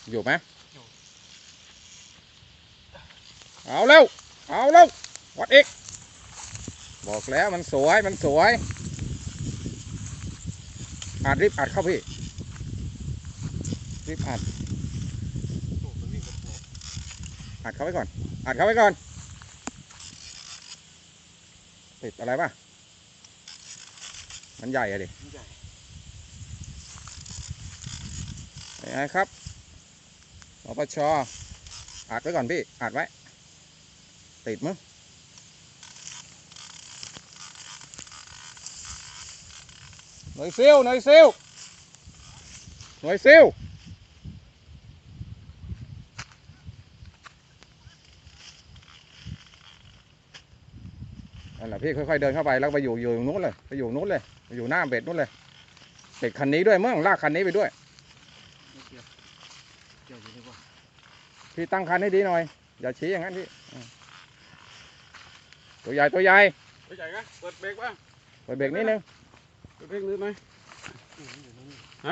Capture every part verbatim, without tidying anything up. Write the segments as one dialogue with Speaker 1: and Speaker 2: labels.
Speaker 1: อยู่ไหมเอาเร็วเอาเร็ววัดอีกบอกแล้วมันสวยมันสวยอัดรีบอัดเข้าพี่รีบอัดอัดเข้าไว้ก่อนอัดเข้าไว้ก่อนติดอะไรป่ะมันใหญ่อะดิยังไงครับอปช.อัดไว้ก่อนพี่อัดไว้ติดมั้งหน่วยซิลหน่วยซิลหน่วยซิลนั่นแหละพี่ค่อยๆเดินเข้าไปแล้วไปอยู่อยู่นู้นเลยไปอยู่นู้นเลยไปอยู่หน้าเบ็ดนู้นเลยเบ็ดคันนี้ด้วยมั้งลากคันนี้ไปด้วยพี่ตั้งคันให้ดีหน่อยอย่าชี้อย่างนั้นพี่ตัวใหญ่ตัวใหญ่
Speaker 2: ตัวใหญ่นะเปิดเบรกป่ะ
Speaker 1: เปิดเบรกนิดนึง
Speaker 2: เปิดเบรกนิดหน่อยไหน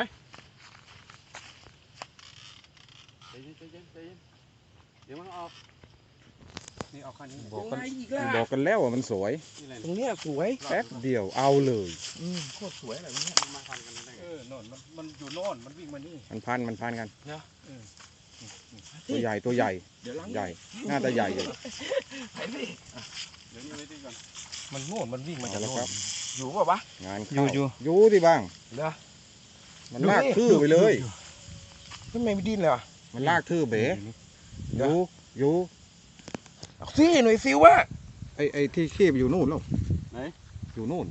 Speaker 2: ใจเย็นใจเย็นใจเย็นเดี๋ยวมันออกนี่ออกคันนี้
Speaker 1: บอกกันบอกกันแล้วว่ามันสวย
Speaker 3: ตรงเนี้ยสวย
Speaker 1: แป๊บเดียวเอาเลย
Speaker 3: อืมโคตรสวยอะไรตรงเนี้ย
Speaker 2: มาพันกันได้
Speaker 3: เออโน่นมันมันอยู่โน่นมันวิ่งมานี่
Speaker 1: มันพันมันพันกัน
Speaker 3: นะ
Speaker 1: ตัวใหญ่ตัวใหญ่ใหญ่น่าจะใหญ่เลย
Speaker 2: เดี๋ยวนี้เลยดีก่อน
Speaker 3: มันโน่นมันวิ่งมาจากโน่นอยู่ป่ะวะ
Speaker 1: งานอยู่อยู่อยู่ที่บ้าง
Speaker 3: เหรอ
Speaker 1: มันลากทื่อไปเลย
Speaker 3: ทำไมไม่ดิ้นเลยอ่ะ
Speaker 1: มันลากทื่อเบ๋อยู่อยู่
Speaker 3: สิหน่วยซิววะ
Speaker 1: ไอไอที่คีบอยู่นู่นแล้ว
Speaker 2: ไหน
Speaker 1: อยู่นู่น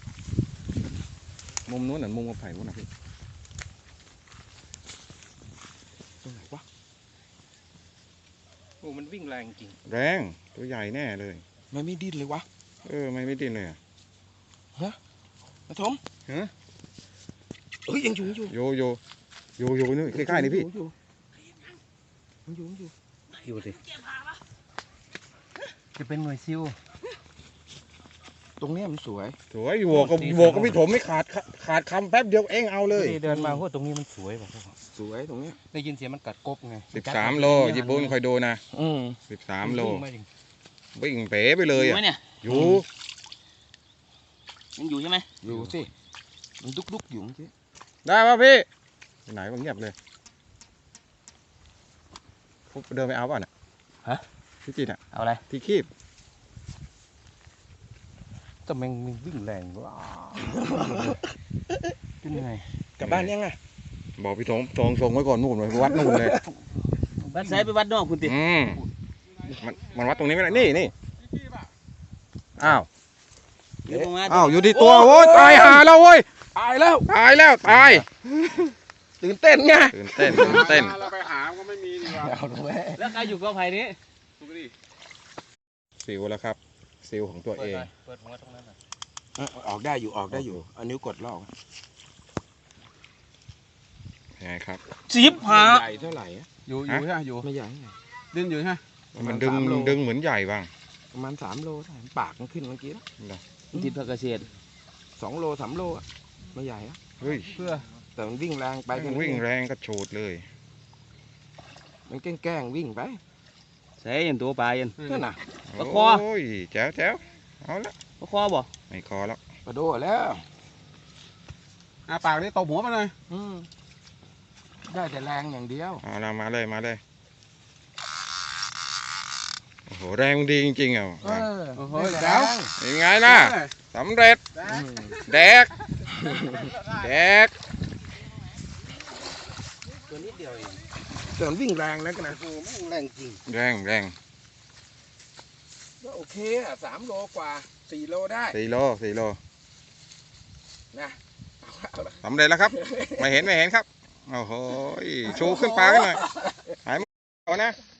Speaker 1: มุมนู้นน่ะมุมกระไผ่นู้นนะพี่
Speaker 3: ตรงไหนวะโอ้มันวิ่งแรงจริง
Speaker 1: แรงตัวใหญ่แน่เลย
Speaker 3: มันไม่ดิ้นเลยวะ
Speaker 1: เออไม่ไม่ดิ้นเลยอ่ะ
Speaker 3: ฮะมาทม
Speaker 1: ฮะ
Speaker 3: เอ้ยยังอยู่อยู่
Speaker 1: อยู่อยู่อยู่อยู่นี่ใกล้ๆนี่พี่
Speaker 3: อยู่มันอยู่อยู่
Speaker 1: อยู่สิ
Speaker 3: จะเป็นหน่วยซิวตรงนี้มันสวย
Speaker 1: สวยอยู่กับโวกับพี่ถมไม่ขาดขาดคำแป๊บเดียวเองเอาเลย
Speaker 3: เดินมาว่าตรงนี้มันสวยแบบสวยตรงนี้ได้ยินเสียงมันกัดกบไง
Speaker 1: สิบสามโลญี่ปุ่นคอยดูนะ
Speaker 3: อืม
Speaker 1: สิบสามโลวิ่งเป๋ไปเลยอ่ะอยู่
Speaker 4: มันอยู่ใช่ไหม
Speaker 3: อยู่สิมันดุกดุกอยู่สิ
Speaker 1: ได้ป่ะพี่ไหนมันเงียบเลยเดินไปเอาป่ะน่ะ
Speaker 3: ฮะ
Speaker 1: พี่จีนอ่ะ
Speaker 4: เอาอะไร
Speaker 1: ที่คีบ
Speaker 3: แต่แมงมันวิ่งแรงว้าขึ้นยังไงกลับบ้านยังไง
Speaker 1: บอกพี่ถงส่งส่งไว้ก่อนนู่นเลยวัดนู่นเลย
Speaker 4: วัดไซไปวัดนอกคุณติ
Speaker 1: อืมมันมันวัดตรงนี้ไม่ได้นี่นี่อ้าวอ้าวอยู่ที่ตัวโว้ยตายหาแล้วเว้ย
Speaker 3: ตายแล้ว
Speaker 1: ตายแล้วตาย
Speaker 3: ตื่นเต้นไง
Speaker 1: ตื่นเต้นตื่นเต้น
Speaker 2: เราไปหาก็ไม่มีดีกว่า
Speaker 4: แล้วใครอยู่กอไผ่นี้
Speaker 1: ซิลแล้วครับซิลของตัวเอง
Speaker 4: เปิดหัวตรงนั้น
Speaker 3: ออกได้อยู่ออกได้อยู่เอานิ้วกดลอก
Speaker 1: ยังไงครับ
Speaker 4: สิบหา
Speaker 3: ใหญ่เท่าไหร่
Speaker 2: อยู่อยู่ใช่อยู่
Speaker 3: ไม่ใหญ่
Speaker 2: ดิ้นอยู่ใช่
Speaker 1: มันดึงดึงเหมือนใหญ่บ้าง
Speaker 3: ประมาณสามโลปากมันขึ้นเมื่อกี้
Speaker 4: แล้วติดผักกระเฉด
Speaker 3: สองโลสามโลไม่ใหญ่อะ
Speaker 1: เฮ้ย
Speaker 3: เพื่อแต่มันวิ่งแรงไป
Speaker 1: มันวิ่งแรงก็โฉดเลย
Speaker 3: มันแกล้งวิ่งไป
Speaker 4: ใช่ยันตัวปลายัน
Speaker 3: นั่นน่ะ
Speaker 4: ปลาคอ
Speaker 1: โอ้ยแจ๋วแจ๋วเอาละ
Speaker 4: ปลาคอบ่
Speaker 1: ไม่คอแล้ว
Speaker 3: ปลาโดแล้ว
Speaker 2: อาปากนี่ตบหัวมาเลย
Speaker 3: ได้แต่แรงอย่างเดียว
Speaker 1: เอาละมาเลยมาเลยโอ้โหแรงดีจริงๆอ่ะ
Speaker 3: โอ้โหแจ๋ว
Speaker 1: ยังไงล่ะสำเร็จแดกแดก
Speaker 3: ตัวนิดเดียวเองแต่มันวิ่งแรงนะกันนะโอ้โหแรงจริง
Speaker 1: แรงแรง
Speaker 3: ก็โอเคอ่ะสามโลกว่าสี่โลได้
Speaker 1: สี่โลสี่โล
Speaker 3: นะ
Speaker 1: สำเร็จแล้วครับไม่เห็นไม่เห็นครับโอ้โหชูขึ้นปลากันหน่อยหายหมดนะ